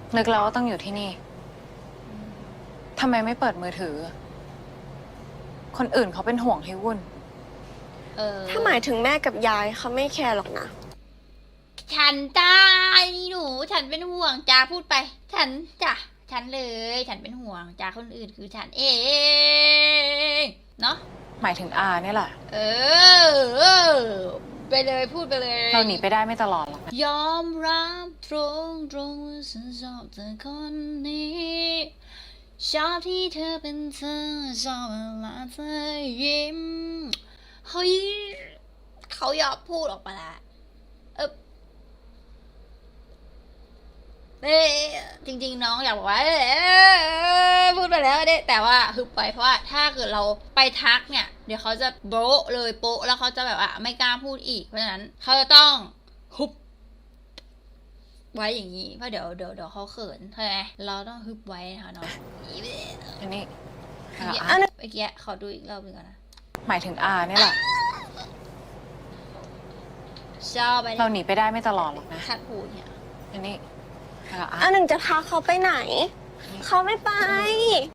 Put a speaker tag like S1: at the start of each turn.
S1: นึกแล้วว่าต้องอยู่ที่นี่ทำไมไม่เปิดมือถือ คนอื่นเขาเป็นห่วงให้วุ่น
S2: ถ้าหมายถึงแม่กับยายเขาไม่แคร์หรอกนะ
S3: ฉันจ้านี่หนู ฉันเป็นห่วงจ้าพูดไป ฉันจ้ะฉันเลย ฉันเป็นห่วงจ้าคนอื่นคือฉันเองเนาะ
S1: หมายถึงอาเนี่ยแหละ
S3: เออ ไปเลยพูดไปเลย
S1: เราหนีไปได้ไม่ตลอดหรอกนะ
S3: ยอมรับตรงว่าฉันชอบเธอคนนี้ชอบที่เธอเป็นเธอชอบเวลาเธอยิ้มเฮ้ยเขายอมพูดออกมาละจริงๆน้องอยากบอกว่าพูดไปแล้วเด้แต่ว่าฮึบไปเพราะว่าถ้าเกิดเราไปทักเนี่ยเดี๋ยวเขาจะโบ๊ะเลยโป๊ะแล้วเขาจะแบบว่าไม่กล้าพูดอีกเพราะฉะนั้นเขาจะต้องฮึบไว้อย่างนี้เพราะเดี๋ยวเขาเขินใช่ไหมเราต้องฮึบไว้นะคะน้อง
S1: อันนี้
S3: เมื่อกี้ขอดูอีกรอบหนึงก่อนนะ
S1: หมายถึงอาเนี่ยแหละ
S3: ชอบไป
S1: เราหนีไปได้ไม่ตลอดหรอกนะ
S3: ขัดหูเนี่ย
S1: อันนี้
S2: อันหนึ่งจะพาเขาไปไหน เขาไม่ไป